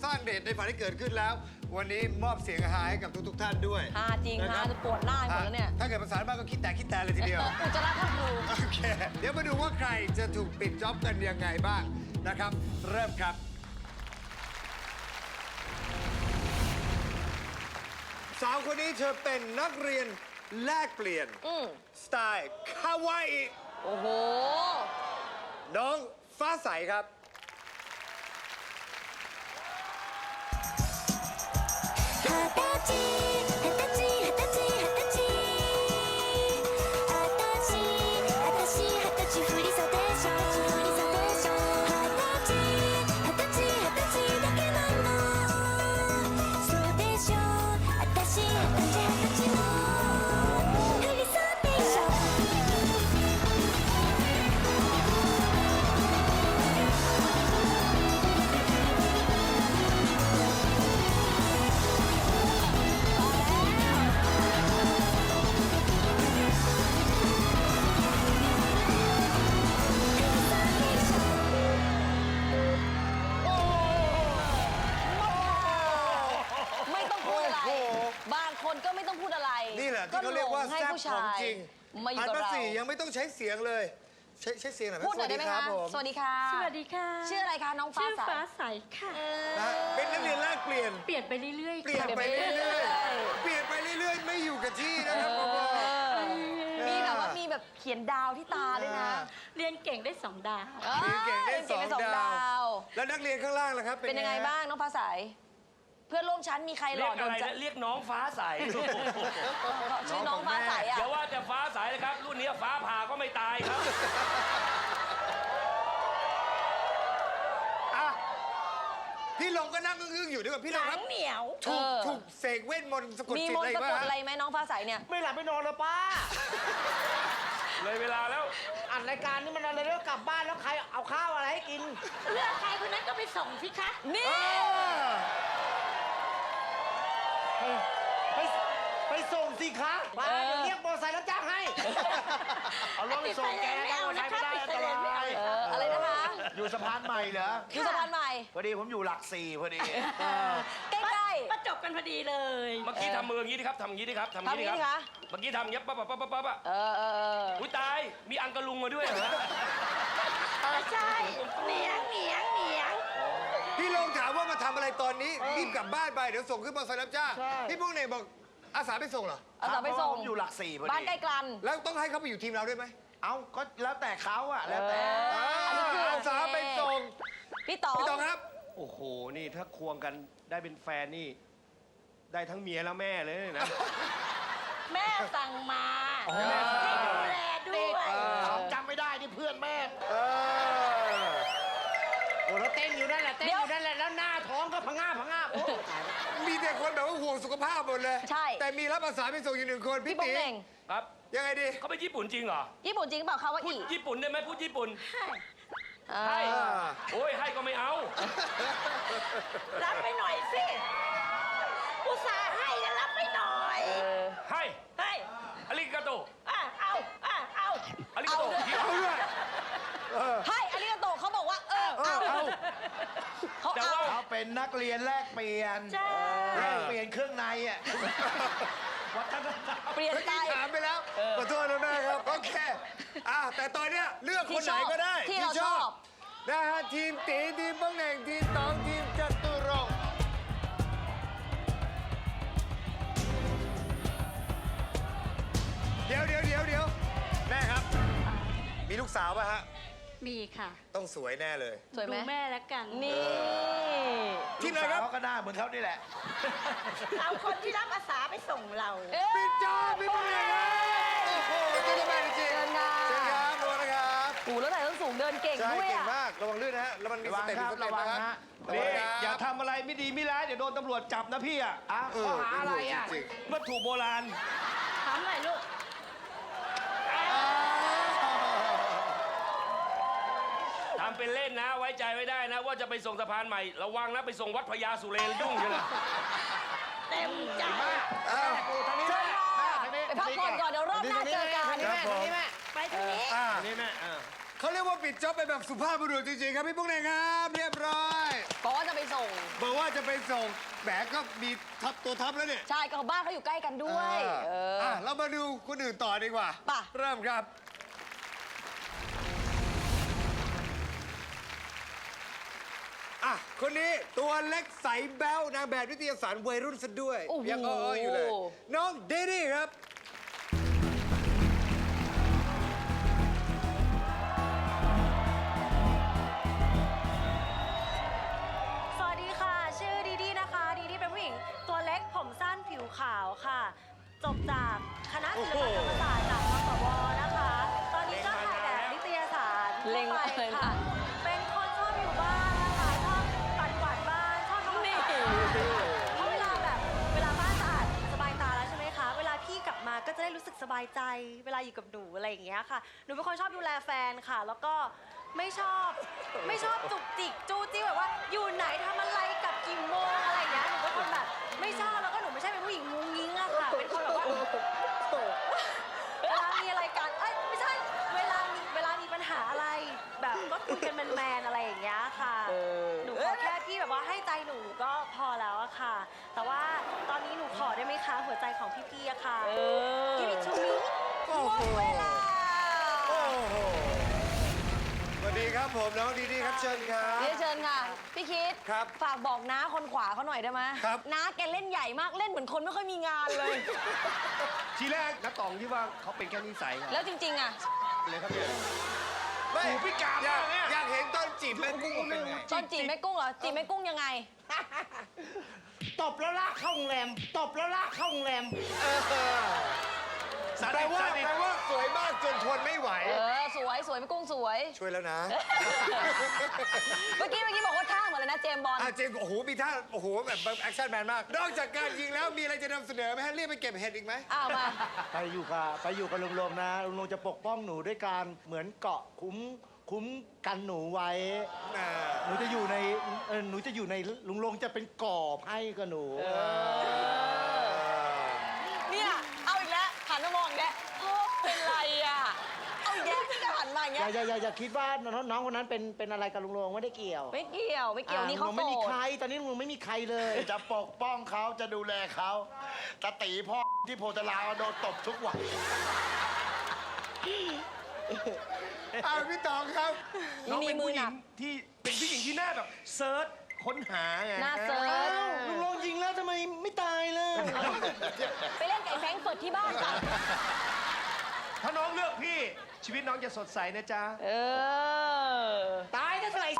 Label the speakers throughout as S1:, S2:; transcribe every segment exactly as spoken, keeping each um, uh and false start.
S1: สร้างเดชในฝันที่เกิดขึ้นแล้ว วันนี้มอบเสียงฮาให้กับทุกๆท่านด้วย
S2: ฮาจริงฮาจะปวดหน้าหมดแล้วเนี่ย
S1: ถ้าเกิดภาษาบ้านก็คิดแต่คิดแต่เลยทีเดียว
S2: อุจจาระท่าครู
S1: โอเค เดี๋ยวมาดูว่าใครจะถูกปิดจ็อบกันยังไงบ้างนะครับ เริ่มครับ สาวคนนี้เธอเป็นนักเรียนแลกเปลี่ยน
S2: อืม
S1: สไตล์คาวาอิ
S2: โอ้โห
S1: น้องฟ้าใสครับ
S3: 二十歳二十歳二十歳二十歳あたしあたし二十歳振り袖でしょ振り袖でしょ二十歳二十歳二十歳だけなのそうでしょあたし二十歳二十歳の振り袖でしょ
S2: ไม่ต้องพูดอะไร บางคนก็ไม่ต้องพูดอะไร
S1: นี่แหละที่เขาเรียกว่า
S2: ให้
S1: แซ่บ
S2: ผู้
S1: ข
S2: ชา
S1: อง
S2: ย
S1: จริง
S2: มาอยู่
S1: อัน
S2: กับ
S1: ภา
S2: เรา
S1: ษียังไม่ต้องใช้เสียงเลย ใช้ใช้เสียงหน่อยไหม
S2: พูดหน่อยได้ไหม
S1: สวัส
S2: คะ
S1: รับผม
S2: สวัสดีค่ะ
S4: สวัสดีค่ะ
S2: ชื่ออะไรคะน้องฟ้า
S4: ชื่อ
S2: ใส
S4: ฟ้าใสค่ะ
S1: นะฮะเป็นนักเรียนแลกเปลี่ยน
S4: เปลี่ยนไปเรื่อยๆ
S1: เปลี่ยน
S4: ค่ะ
S1: ไปเรื่อยๆ เปลี่ยนไปเรื่อยๆ ไม่อยู่กับที่นะครับผมบอก
S2: มีแบบว่ามีแบบเขียนดาวที่ตาด้วยนะ
S4: เรียนเก่งได้สองดาว
S2: ออ
S1: เรียนเก่งได้สอง
S2: เรียนเก่
S1: ดาว
S2: ว
S1: แล้วนักเรียนข้างล่างล่ะครับ
S2: เป็นยังไงบ้างน้องฟ้าใส เพื่อนร่วมชั้นมีใครห
S5: เรี
S2: ล่
S5: ย
S2: อก โด
S5: อะ
S2: น
S5: ไร
S2: ใจ
S5: นะเรียกน้องฟ้าใส
S2: ชื่อน้องฟ้าใสอ่ะ
S5: อย่าว่าแต่ฟ้าใสเลยครับ รุ่นนี้ฟ้าผ่าก็ไม่ตายครับ
S1: อ่ะพี่ลงก็นั่งอึ้งๆอยู่ด้วยกับพี่ลงครับ
S4: เหนียว
S1: ถูก
S2: เออ
S1: ถูกเสกเวทมนต์สะกด
S2: มี
S1: จิต
S2: มน
S1: อะไร
S2: ต์สะ
S1: บ้าง
S2: กดอะไร
S1: ฮะ
S2: ไหมน้องฟ้าใสเนี่ย
S6: ไม่หลับไม่นอนเลยป้า
S5: เลยเวลาแล้ว
S6: อัดรายการนี่มันอะไรแล้วกลับบ้านแล้วใครเอาข้าวอะไรให้กิน
S4: เลือกใครคนนั้นก็ไปส่งสิคะ
S2: นี่
S6: ไปไปส่งสิคะป้าเดี๋ยวเรียกมอเตอร์ไซค์แล้วจ้างให้ เอารถไปส่งแกจ้างมอเตอร์ไซค์ไม่ได้อันตราย
S2: เอออะไรนะคะ
S6: อยู่สะพานใหม่เหรอ
S2: อยู่สะพานใหม่
S6: พอดีผมอยู่หลักสี่พอดี
S2: ใกล้
S4: ประจบกันพอดีเลย
S5: เมื่อกี้ทำมืออย่างนี้ดิครับทำอย่างนี้ดิครับทำอ
S2: ๆ
S5: ย่างนี้
S2: ทำ
S5: ดิ
S2: นี้
S5: ครั
S2: คะ
S5: บ เมื่อกี้ทำอย่างนี้ยปั๊บปั๊บปั๊บปั๊บปั๊บอะ
S2: เออเออเออ
S5: อุ้ยตาย มีอังกะลุงมาด้วยเหรอ
S4: เออใช่เหนียงเหนียงเหนียง
S1: พี่ลงถามว่ามาทำอะไรตอนนี้รีบกลับบ้านไปเดี๋ยวส่งขึ้นมอเตอร์ไซค์รับจ้าง
S6: ใช่
S1: พี่พวกเนี่ยบอกอาสาไปส่งเหรอ
S2: เอาสาวไปส่ง
S6: ผมอยู่หลักสี่พอดี
S2: บ้านใกล้กัน
S1: แล้วต้องให้เขาไปอยู่ทีมเราด้วยไหม
S6: เอาก็แล้วแต่เขาอะแล้วแต่
S2: เอออันนี้คือโอ
S1: อา
S2: เค
S1: สาไปส่ง
S2: พี่ต๋อง
S1: พี่ตองครับ
S5: โอ้โห นี่ถ้าควงกันได้เป็นแฟนนี่ ได้ทั้งเมียและแม่เลยนะ
S4: แม่สั่งมา
S1: อ๋อ
S4: ให้ดูแลด้วย
S6: เขาจำไม่ได้นี่เพื่อนแม่
S1: เออ
S6: โอ้แล้วเต้นอยู่นั่นแหละเต้นอยู่นั่นแหละแล้วหน้าท้องก็พะง่าพะง่าโอ้ตายแล้ว
S1: มีแต่คนแบบว่าห่วงสุขภาพหมดเลย
S2: ใช่
S1: แต่มีรับอาสาไปส่งอยู่หนึ่งคน
S2: พี่
S1: พี่
S2: โป้
S1: ตี
S2: งเหน่ง
S5: ครับ
S1: ยังไงดี
S5: เขาไปญี่ปุ่นจริงเหรอ
S2: ญี่ปุ่นจริงเปล่าคะว่า
S5: พูด
S2: อี
S5: ญี่ปุ่นได้ไหมพูดญี่ปุ่น
S2: เออ
S5: ให้
S1: อ่า
S5: โอ้ย ให้ก็ไม่เอา
S4: รับไปหน่อยสิอุตส่าห์ให้แล้วรับไปหน่อย
S5: ให้
S4: ให้
S5: อาริกาโต
S4: อ่ะเอาอ่ะเอา
S5: อาริกาโต
S2: เอาด้วย
S5: เดี๋ยว
S1: เอาด้วย
S2: ให้อาริกาโตะเขาบอกว่า เออ เอาเขา
S5: แต่
S2: เอา
S5: ว่า
S6: เขาเป็นนักเรียนแลกเปลี่ยน
S4: ใช่
S6: แลกเปลี่ยนเครื่องในอ่ะ วัฒนธรรม
S2: เปลี่ยน
S1: เมื่อ
S2: ไป
S1: กี้ถามไปแล้วขอโทษนะแม่ครับ โอเคอ่ะแต่ตอนเนี้ยเลือกคนไหนก็ได้
S2: ที่เราชอบ
S1: นะฮะทีมตีทีมป้องแหน่งทีมตองทีมจตุรงค์เดี๋ยวเดี๋ยวเดี๋ยวเดี๋ยวแม่ครับ มีลูกสาวป่ะฮะ
S4: มีค่ะ
S1: ต้องสวยแน่เลย
S2: สวยไหม
S4: ดูแม่แล้วกัน
S2: นี่
S1: ที่ไหนครับ
S6: เขาก็หน้าเหมือนเขานี่แหละ
S4: เอาคนที่รับอาสาไปส่งเรา
S2: เอ๊ะ
S1: ปิดจอพี่ป้องแหน่งครับโอ้โหเจ้าแม่จริงๆ
S2: เชิญค่ะ
S1: เชิญครับระวังนะครับ
S2: โอ้โหแล้วไหนต้องสูงเดินเก่ง
S1: ใช่
S2: ด้วย
S1: เก่ง
S2: อ่ะ
S1: มากระวังลื่นนะฮะแล้วมันมี
S6: ระ
S1: ส
S6: วัง
S1: เต็ป
S6: ค
S1: มี
S6: รับ
S1: สเต็ประ
S6: วัง
S1: นะครับ
S6: ฮะ
S1: ระวั
S5: นี่
S1: งครับ
S5: อย่าทำอะไรไม่ดีไม่ร้ายเดี๋ยวโดนตำรวจจับนะพี่อะ
S6: อ้าว
S1: เอ
S6: ข้อ
S1: อ
S6: หาอะไรอ่ะ
S1: จริง
S5: วัตถุโบราณ
S4: ถามหน่อยลูก
S5: ทำเป็นเล่นนะ ไว้ใจไม่ได้นะ ว่าจะไปส่งสะพานใหม่ ระวังนะ ไปส่งวัดพญาสุเรนยุ่งอยู่นะ
S4: เต็มใจ
S1: ๆอ้าว
S6: ทางนี้
S2: เชิ
S6: แม่
S2: ญค่ะ
S6: ทางนี้
S2: ไปพักผ่อนก่อนเดี๋ยวรอบหน้าเจอกัน
S6: ทางนี้แม่ทางนี้แม่
S4: ไปทางนี้
S1: อ่า
S5: นี่แม่อ่า
S1: เขาเรียกว่าปิดจ็อบไปแบบสุภาพบุรุษจริงๆครับพี่พวกไหนครับเรียบร้อย
S2: บอกว่าจะไปส่ง
S1: บอกว่าจะไปส่งแหมก็มีทับตัวทับแล้วเนี่ย
S2: ใช่ก็บ้านเขาอยู่ใกล้กันด้วย
S1: เอ
S2: เอ
S1: อ
S2: อ
S1: อ่ะเรามาดูคนอื่นต่อดีกว่า
S2: ป่ะ
S1: เริ่มครับ อ่ะ คนนี้ตัวเล็กใสแบ๊วนางแบบนิตยสารวัยรุ่นซะด้วย
S2: โอ้โห
S1: ยังอ้อๆอยู่เลย น้องเดดี้ครับ
S7: สวัสดีค่ะ ชื่อดีดีนะคะ ดีดีเป็นผู้หญิงตัวเล็กผมสั้นผิวขาวค่ะ จบจากคณะศิลปกรรมศาสตร์จากมสวนะคะ ตอนนี้ก็ถ่ายแบบนิตยสาร
S2: เล็ง
S7: ทั่ว
S2: อะไร
S7: ไป
S2: นะ
S7: ค่ะ เป็นคนชอบอยู่บ้านนะคะชอบปัดกวาดบ้านชอบทำความสะอาดเพราะเวลาแบบเวลาบ้านสะอาดสบายตาแล้วใช่ไหมคะ เวลาพี่กลับมาก็จะได้รู้สึกสบายใจ เวลาอยู่กับหนูอะไรอย่างเงี้ยค่ะ หนูเป็นคนชอบดูแลแฟนค่ะ แล้วก็ไม่ชอบไม่ชอบจุกจิกจู้จี้แบบว่าอยู่ไหนทำอะไรกับกี่โมงอะไรอย่างเงี้ยหนูเป็นคนแบบไม่ชอบแล้วก็หนูไม่ใช่เป็นผู้หญิงมุ้งยิ้งอะค่ะเป็นคนแบบว่าเวลามีอะไรกันเอ้ยไม่ใช่เวลามีเวลามีปัญหาอะไรแบบก็คุยกันแมนๆอะไรอย่างเงี้ยค่ะหนูขอแค่พี่แบบว่าให้ใจหนูก็พอแล้วอะค่ะ แต่ว่าตอนนี้หนูขอได้ไหมคะหัวใจของพี่ๆอะค่ะ Give it to me
S1: โอ้โห
S2: เวลา
S1: โอ้โห สวัสดีครับผมน้องดีดีครับเชิญครับ
S2: เรียนเชิญค่ะ พี่คิด
S1: ครับ
S2: ฝากบอกน้าคนขวาเขาหน่อยได้ไหม
S1: ครับ
S2: น้าแกเล่นใหญ่มากเล่นเหมือนคนไม่ค่อยมีงานเลย
S6: ทีแรกนักตองที่ว่าเขาเป็นแค่นิสัยครับ
S2: แล้วจริงๆอะ
S6: เลยครับเนี่ย
S1: ไม่
S6: หูพิการ
S1: อยาก
S6: มากเนี่ย
S1: อยากเห็นตอนจีบแม่กุ้งเป็นไง
S2: ตอนจีบแม่กุ้งเหรอจีบแม่กุ้งยังไง
S6: ตบแล้วลากเข้าโรงแรมตบแล้วลากเข้าโรงแรม
S1: แปลว่าแปลว่าสวยมากจนทนไม่ไหว
S2: เออสวยสวยแม่กุ้งสวย
S1: ช่วยแล้วนะ
S2: เมื่อกี้เมื่อกี้บอกว่าท่าเหมือนเลยนะเจมส์บอล
S1: อาเจมส์โอ้โห มีท่า โอ้โห แบบแอคชั่นแมนมาก นอกจากการยิงแล้วมีอะไรจะนำเสนอไหมฮะเรียกไปเก็บเห็ดอีกไหม
S2: อ้าวมา
S6: ไปอยู่กับไปอยู่กับลุงลงนะลุงลงจะปกป้องหนูด้วยการเหมือนเกาะคุ้มคุ้มกันหนูไว้
S1: อ่า
S6: หนูจะอยู่ในเออหนูจะอยู่ในลุงลงจะเป็นกอบให้กับหนู
S2: เนี่ยเอาอีกแล้วหันมามองอีกแล้วพ่อเป็นไรอ่ะเอาอีกแล้วพี่ก็หันมาอย่าง
S6: อ
S2: เงี้
S6: ย่าย อย่าอย่าอย่าคิดว่าน้องน้องคนนั้นเป็นเป็นอะไรกับลุงลงไม่ได้เกี่ยว
S2: ไม่เกี่ยวไม่เกี่ยว
S6: อ่
S2: นี่เขา
S6: ลุง
S2: โส
S6: ไม่มี
S2: ด
S6: ใครตอนนี้ลุงไม่มีใครเลย
S8: จะปกป้องเขาจะดูแลเขาตาตีพ่อที่โพธารามโดนตบทุกวัน
S1: อ้าวพี่ตองครับ
S6: น้อง
S2: มี
S6: เป็น
S2: มือ
S6: ผู้ห
S2: ห
S6: ญิ
S2: นั
S6: ง
S2: ก
S6: ที่เป็นผู้หญิงที่หน้าแบบเซิร์ชค้นหาไง
S2: หน้าเซิร์ช
S6: อ้าวลุงลงยิงแล้วทำไมไม่ตายเลย
S2: ไปเล่นกับไอ้แฟรงก์เฟิร์ตที่บ้านจ้ะ
S6: ถ้าน้องเลือกพี่ชีวิตน้องจะสดใสนะจ๊ะ
S2: เออ
S6: ตายก็เถอะไอ้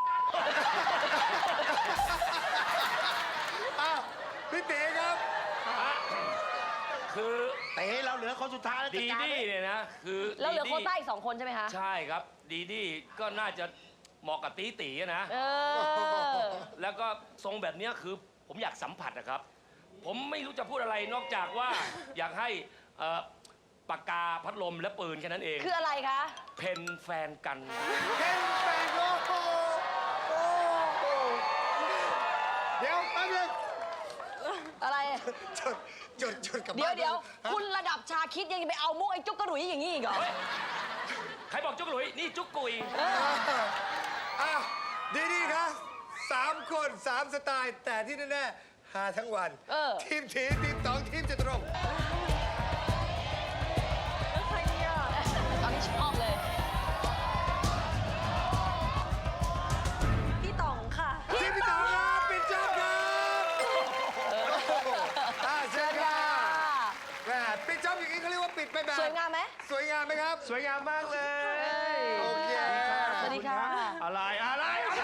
S1: อ้าวพี่เต๋ครับ
S5: คือ
S8: เต๋เราเหลือคนสุดท้ายแล้วจัด
S5: ดี
S8: การ
S5: ดี้เนี่ยนะคือ
S2: แล้วเหลือ
S5: ดี
S2: โคว
S5: ดี้
S2: ต้าอีกสองคนใช่ไหมคะ
S5: ใช่ครับ ดีดี้ก็น่าจะเหมาะกับตีตีอะนะ
S2: เออ
S5: แล้วก็ทรงแบบเนี้ยคือผมอยากสัมผัสนะครับ ผมไม่รู้จะพูดอะไรนอกจากว่า อยากให้เอ่อปากกาพัดลมและปืนแค่นั้นเอง
S2: คืออะไรคะ
S5: เพนแฟนกัน
S1: เห็นแฟนโอ้โหโอ้โหเดี๋ยวแป๊บนึง
S2: อะไร
S1: จดจดจดกับ
S2: เดี๋ยว
S1: บ้าน
S2: เดี๋ยว
S1: ฮะ
S2: คุณระดับชาคิดยังจะไปเอามุกไอ้จุกกระหลุยอย่างนี้อีกเหรอ
S5: เฮ้ย ใครบอกจุกหลุย นี่จุกกุย
S1: อ้าวดีดีครับสามคนสามสไตล์ แต่ที่แน่ๆหาทั้งวัน
S2: เออ
S1: ทีมทีทีมสองทีมจะตรง
S2: ตอนนี้ชอบเลย
S7: พี่ต๋องค่ะ
S1: ทีมที่สองครับปิดจอบครับอ่าเชิญค่ะแหมปิดจอบอย่างนี้เขาเรียกว่าปิดไปแบบ
S2: สวยงามไหม
S1: สวยงามไหมครับ
S6: สวยงามมากเลย
S1: โอเค
S2: สวัสดีค่ะ
S6: อะไรอะไรอะไร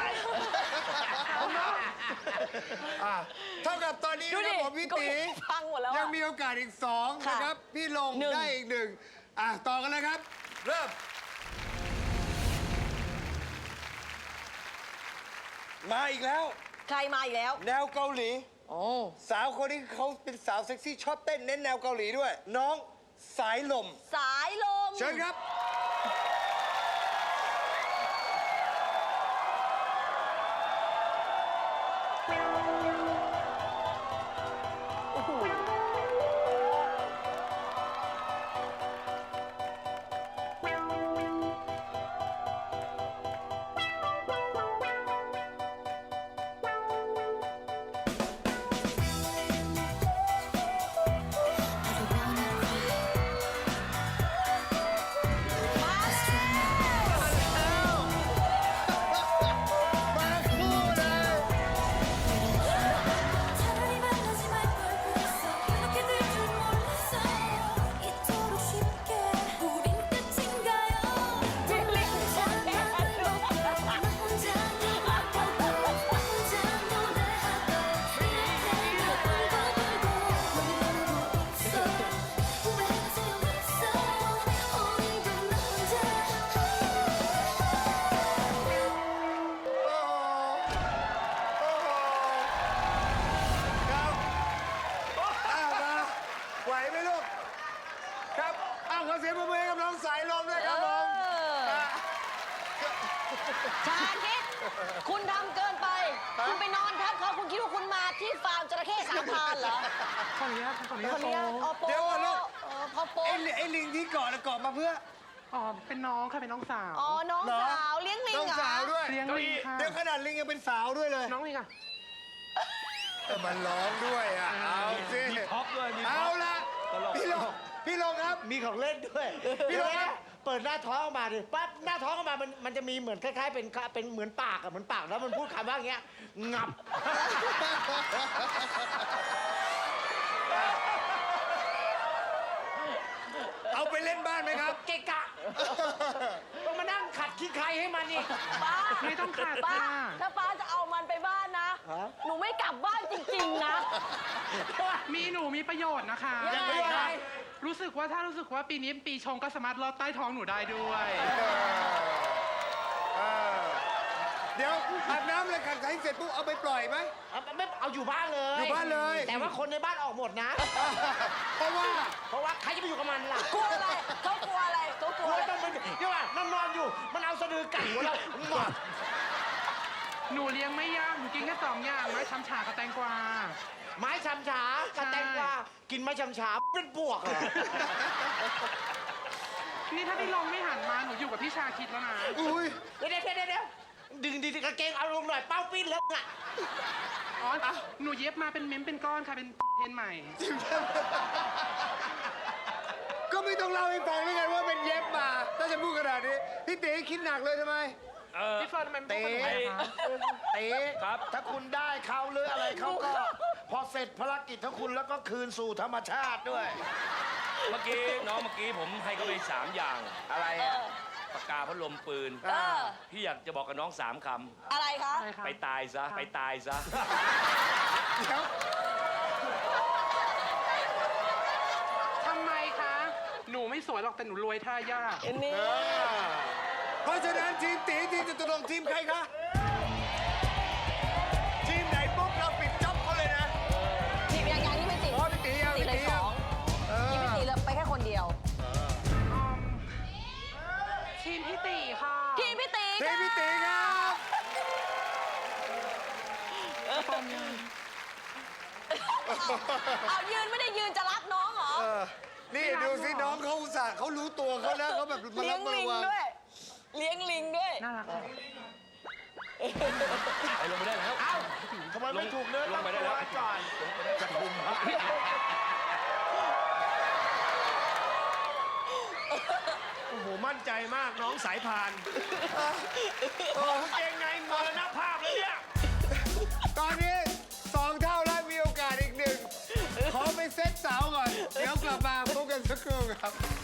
S1: อ่ะเท่ากับตอนนี้
S2: ดู
S1: นะค
S2: ดิ
S1: รับผมพี่ตี
S2: ฟังหมดแล้ว
S1: ยัง
S2: อะ
S1: มีโอกาสอีกสอง
S2: ค่ะ
S1: นะครับ พี่ลง
S2: หนึ่ง
S1: ได้อีกหนึ่งอ่ะต่อกันเลยครับ เริ่ม มาอีกแล้ว
S2: ใครมาอีกแล้ว
S1: แนวเกาหลี
S2: โอ้
S1: สาวคนนี้เขาเป็นสาวเซ็กซี่ชอบเต้นเน้นแนวเกาหลีด้วย น้องสายลม
S2: สายลม
S1: เชิญครับ
S3: 「
S2: ฟาร์มจระเข้สามพรานเหรอ
S6: ขออนุญาตขออนุญา
S2: ค
S6: ต
S2: นนี้อ๋อโป๊
S1: เดี๋ยวก่อนลูก
S2: เออพอโป๊
S1: ไอ้ลิไอ้ลิงที่เกาะน่ะเกาะมาเพื่อ
S6: อ๋อ เป็นน้องค่ะ เป็นน้องสาว
S2: อ๋อ น้อง
S1: เหรอ
S2: สาวเลี้ยงลิง
S1: น้อง
S2: เหรอ
S1: สาวด้วย
S6: เลี้ยงลิงค่ะ
S1: เดี๋ยวขนาดลิงยังเป็นสาวด้วยเลย
S6: น้องลิงค่ะ
S1: เออมันร้องด้วยอ่ะ เอาสิ
S5: มีพ็อปด้วยมีพ็
S1: เอา
S5: อป
S1: ละ
S5: ตลก
S1: พี่ลงพี่ลงครับ
S6: มีของเล่นด้วย
S1: พี่ลงครับ
S6: เปิดหน้าท้องออกมาดิปั๊บหน้าท้องออกมามันมันจะมีเหมือนคล้ายๆเป็นเป็นเหมือนปากอะเหมือนปากแล้วมันพูดคำว่าอย่างเงี้ยงับ
S1: เอาไปเล่นบ้านไหมครับ
S6: เกะกะต้องมานั่งขัดขี้ใครให้มันอีก
S2: ป้า
S6: ไม่ต้องขัด
S2: ป้า
S6: ค่ะ
S2: ถ้าป้าจะเอามันไปบ้านนะ
S6: ฮะ
S2: หนูไม่กลับบ้านจริงๆนะ
S9: มีหนูมีประโยชน์นะคะ
S2: ยังไงคะ
S9: รู้สึกว่าถ้ารู้สึกว่าปีนี้ปีชงก็สามารถลอดใต้ท้องหนูได้ด้วย
S1: เออเดี๋ยวอาบน้ำเลยขัดไขเสร็จปุ๊บเอาไปปล่อยไหม
S6: เอาไม่เอาอยู่บ้านเลย
S1: อยู่บ้านเลย
S6: แต่ว่าคนในบ้านออกหมดนะ
S1: เพราะว่า
S6: เพราะว่าใครจะไปอยู่กับมันล่ะ
S2: กลัวอะไรเขากลัวอะไรเขาก
S6: ก
S2: ลั
S6: ลั
S2: ว
S6: ว
S2: อะไร
S6: ต้องเป็นเดี๋ยวว่านอนนอนอยู่ มันเอาสะดือกัดหัวเราหมด
S9: หนูเลี้ยงไม่ยากหนูกินแค่สองอย่างไม้ช้ำฉากับแตงกวา
S6: ไม้ชำฉากระแตงกวากินไม้ชำฉาเป็นปวกเหรอ
S9: นี่ถ้าพี่ลงไม่หันมาหนูอยู่กับพี่ชาคิดแล้วนะ
S1: อุ้ย
S6: เดี๋ยวเดี๋ยวเดี๋ยวเดี๋ยวดึงดีๆกางเกงเอาลงหน่อยเป้าปิ้นแล้วอ่ะ
S9: อ๋อ หนูเย็บมาเป็นเม้มเป็นก้อนค่ะเป็นเทรนใหม่
S1: ก็ไม่ต้องเล่าให้ฟังด้วยกันว่าเป็นเย็บมา ถ้าจะพูดขนาดนี้ พี่ตีคิดหนักเลยทำไม
S5: เออ
S9: พี่เฟิร์นทำไมไม่
S8: เต๋
S9: พูดกับหนูอะคะ
S8: เต๋
S5: ครับ
S8: ถ้าคุณได้เขาหรืออะไรเขาก็ พอเสร็จภารกิจของคุณแล้วก็คืนสู่ธรรมชาติด้วย
S5: เมื่อกี้น้องเมื่อกี้ผมให้เขาไปสามอย่าง
S8: อะไรอ่ะ
S5: ปากกาพัดลมปืน
S2: เออ
S5: พี่อยากจะบอกกับน้องสามค
S2: อะไรคะ
S9: ใช่ค่ะ
S5: ำไปตายซะ ไปตายซะ
S1: เดี๋ยว
S9: ทำไมคะ หนูไม่สวยหรอกแต่หนูรวยท่ายาก
S2: อันนี้
S1: เพราะฉะนั้นทีมตีทีมจะตกลงทีมใครคะ ทีมไหนปุ๊บเราปิดจ็อบเขาเลยนะ
S2: ทีมยังยังนี่ไม่ติด
S1: อ๋อพี่ตียัง
S2: ติดเลย
S1: พี่ตี
S2: ส
S1: ยัง
S2: อง
S1: เออ
S2: ทีมไม่ติดเลยไปแค่คนเดียว
S9: ทีมพี่ตีค่ะ
S2: ทีมพี่ตี
S1: ทีมพี่ตีครับ
S2: เอายืนไม่ได้ยืนจะรับน้องเหรอ
S1: เออ นี่ดูสิน้องเขาอุตส่าห์เขารู้ตัวเขาแล้วเขาแบบมา
S2: เลี้
S1: รั
S2: ย
S1: บ
S2: ง
S1: มา
S2: ลิง
S1: วาง
S2: ด้วย เลี้ยงลิงด้วย
S9: น่ารักค่ะ
S5: ไปลงไปได้แล้ว
S8: เอ้าทำไมไม่ถูกเนื้อ
S5: ล
S8: ต้อง
S5: ไปได้
S8: ตั
S5: แล้ว
S8: วก่อนจะคุมพระ
S1: โอ้โห มั่นใจมากน้องสายพาน
S5: โอ้เก่งไงมรณภาพแล้วเนี่ย
S1: ตอนนี้สองเท่าแล้วมีโอกาสอีกหนึ่ง ขอไปเซตเสาก่อน เดี๋ยวกลับมาพบกันสักครู่ครับ